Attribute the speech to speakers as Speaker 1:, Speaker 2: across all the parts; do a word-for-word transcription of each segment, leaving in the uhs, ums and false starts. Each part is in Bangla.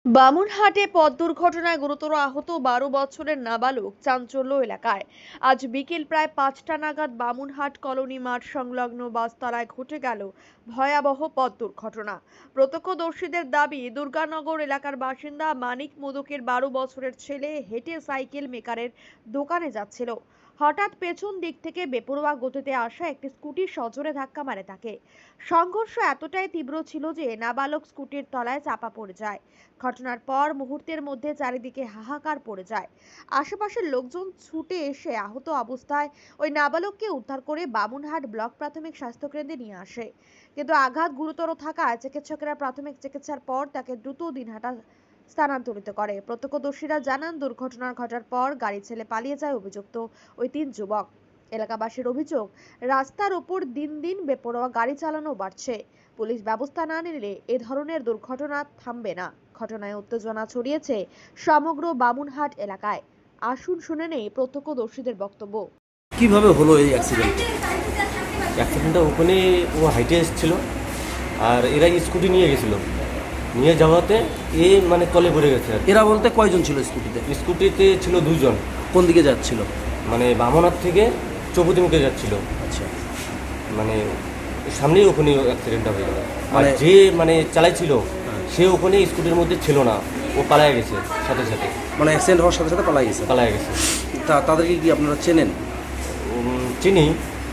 Speaker 1: বামুনহাটে পথ দুর্ঘটনায় গুরুতর আহত বারো বছরের নাবালক চাঞ্চল্য এলাকায়। আজ বিকেল প্রায় পাঁচটা নাগাদ বামুনহাট কলোনি মাঠ সংলগ্ন বাসতলায় ঘটে গেল ভয়াবহ পথ দুর্ঘটনা। প্রত্যক্ষদর্শীদের দাবি, দুর্গানগর এলাকার বাসিন্দা মানিক মোদকের বারো বছরের ছেলে হেঁটে সাইকেল মেকারের দোকানে যাচ্ছিল। হঠাৎ পেছন দিক থেকে বেপরোয়া গতিতে আসা একটি স্কুটি সজোরে ধাক্কা মারে তাকে। সংঘর্ষ এতটাই তীব্র ছিল যে নাবালক স্কুটির তলায় চাপা পড়ে যায়। ঘটনার পর মুহূর্তের মধ্যে চারিদিকে হাহাকার পড়ে যায়। আশেপাশের লোকজন ছুটে এসে আহত অবস্থায় ওই নাবালককে উদ্ধার করে বামুনহাট ব্লক প্রাথমিক স্বাস্থ্যকেন্দ্রে নিয়ে আসে, কিন্তু আঘাত গুরুতর থাকায় চিকিৎসকেরা প্রাথমিক চিকিৎসার পর তাকে দ্রুত দিনহাটা স্থানান্তরিত করে। প্রত্যক্ষদর্শীরা জানান, দুর্ঘটনার ঘটার পর গাড়ি ছেড়ে পালিয়ে যায় অভিযুক্ত ওই তিন যুবক। এলাকাবাসীর অভিযোগ, রাস্তার উপর দিন দিন বেপরোয়া গাড়ি চালানো বাড়ছে। পুলিশ ব্যবস্থা না নিলে এ ধরনের দুর্ঘটনা থামবে না। ঘটনায় উত্তেজনা ছড়িয়েছে সমগ্র বামুনহাট এলাকায়। আসুন শুনে নেই প্রত্যক্ষদর্শীদের বক্তব্য।
Speaker 2: কিভাবে হলো এই অ্যাক্সিডেন্ট?
Speaker 3: অ্যাক্সিডেন্টটা ওখানে ও হাইটে এসেছিলো আর এরা স্কুটি নিয়ে গেছিলো, নিয়ে যাওয়াতে এ মানে তলে পড়ে গেছে। আর
Speaker 2: এরা বলতে কয়জন ছিল স্কুটিতে?
Speaker 3: স্কুটিতে ছিল দুজন,
Speaker 2: কোন দিকে যাচ্ছিল?
Speaker 3: মানে বামনার থেকে চৌপতিমুখে যাচ্ছিল।
Speaker 2: আচ্ছা,
Speaker 3: মানে সামনেই ওখানে অ্যাক্সিডেন্টটা হয়ে গেল। আর
Speaker 2: মানে-
Speaker 3: যে মানে চালাইছিল সে ওখানে স্কুটির মধ্যে ছিল না, ও পালায় গেছে সাথে সাথে,
Speaker 2: মানে অ্যাক্সিডেন্ট হওয়ার সাথে সাথে পালাই গেছে।
Speaker 3: পালায় গেছে।
Speaker 2: তা তাদেরকে কি আপনারা চেনেন?
Speaker 3: উম, চিনি।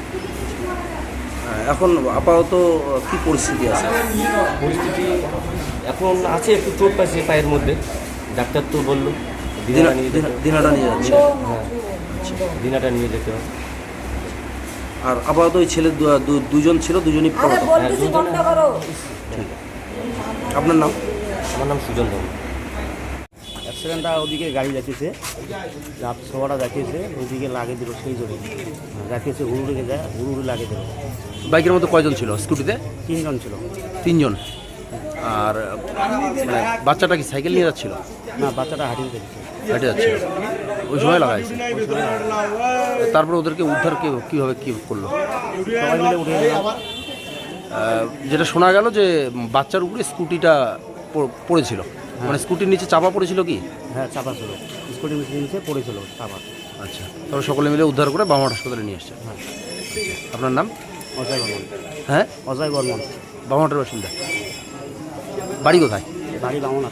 Speaker 2: হ্যাঁ, এখন আপাতত কি পরিস্থিতি আছে?
Speaker 3: পরিস্থিতি এখন আছে, একটু চোট পাইছে পায়ের মধ্যে, ডাক্তার তো বললো দিনাটা নিয়ে যেতে হবে।
Speaker 2: দিনাটা নিয়ে যাচ্ছে।
Speaker 3: হ্যাঁ, দিনাটা নিয়ে যেতে হবে।
Speaker 2: আর আপাতত ওই ছেলে দু- দু- দুজন ছিল, দুজনই পড়ো।
Speaker 3: হ্যাঁ, দুজনে-
Speaker 2: আপনার নাম?
Speaker 3: আমার নাম সুজন ধর্ম।
Speaker 4: অ্যাক্সিডেন্টটা ওদিকে গাড়ি যাচ্ছে, ছোয়াটা দেখিয়েছে, ওইদিকে লাগে দিল, সেই জন্য দেখিয়েছে হুড়ুড়ে যায়, হুড়ুড়ে লাগে দিল।
Speaker 2: বাইকের মধ্যে কয়জন ছিল স্কুটিতে?
Speaker 4: তিনজন ছিল।
Speaker 2: তিনজন। আর মানে বাচ্চাটা কি সাইকেল নিয়ে যাচ্ছিল?
Speaker 4: না, বাচ্চাটা হাঁটিয়ে দেখছে।
Speaker 2: হেঁটে যাচ্ছিল, ওই সময় লাগাইছে। তারপরে ওদেরকে উদ্ধার কি- কিভাবে কি করলো?
Speaker 4: সবাই মিলে উঠে গেলাম।
Speaker 2: আহ, যেটা শোনা গেল যে বাচ্চার উপরে স্কুটিটা প- পড়েছিল, মানে স্কুটির নিচে চাপা পড়েছিল কি?
Speaker 4: হ্যাঁ, চাপা ছিল, স্কুটি মিশিয়ে নিচে পড়েছিল চাপা।
Speaker 2: আচ্ছা, তবে সকলে মিলে উদ্ধার করে বামহাট হাসপাতালে নিয়ে আসছে।
Speaker 4: হ্যাঁ।
Speaker 2: আপনার নাম?
Speaker 4: অজয় বর্মন।
Speaker 2: হ্যাঁ,
Speaker 4: অজয় বর্মন।
Speaker 2: বামহাটের বাসিন্দা। বাড়ি কোথায়?
Speaker 4: বাড়ি বামনা।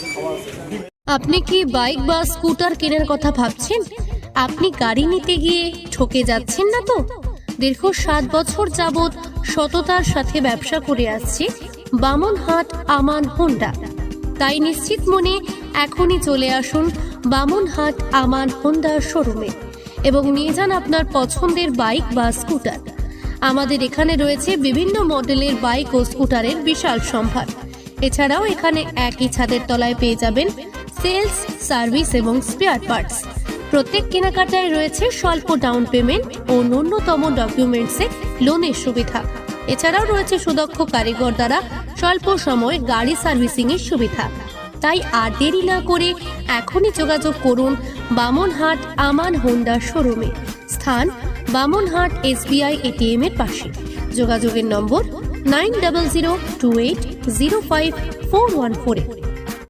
Speaker 5: আপনি কি বাইক বা স্কুটার কেনার কথা ভাবছেন? আপনি গাড়ি নিতে গিয়ে ঠকে যাচ্ছেন না তো? দীর্ঘ সাত বছর যাবৎ সততার সাথে ব্যবসা করে আসছে বামুনহাট আমান হোন্ডা। তাই নিশ্চিত মনে এখনই চলে আসুন বামুনহাট আমান হোন্ডা শোরুমে এবং নিয়ে যান আপনার পছন্দের বাইক বা স্কুটার। আমাদের এখানে রয়েছে বিভিন্ন মডেলের বাইক ও স্কুটারের বিশাল সম্ভার। এছাড়াও এখানে একই ছাদের তলায় পেয়ে যাবেন সেলস, সার্ভিস এবং স্পেয়ার পার্টস। প্রত্যেক কেনাকাটায় রয়েছে স্বল্প ডাউন পেমেন্ট ও ন্যূনতম ডকুমেন্টসে লোনের সুবিধা। এছাড়াও রয়েছে সুদক্ষ কারিগর দ্বারা স্বল্প সময়ে গাড়ি সার্ভিসিং এর সুবিধা। তাই আর দেরি না করে এখনই যোগাযোগ করুন বামুনহাট আমান হোন্ডা শোরুমে। স্থান বামুনহাট এসবিআই এটিএম এর পাশে। যোগাযোগের number nine double zero two eight zero five four one four.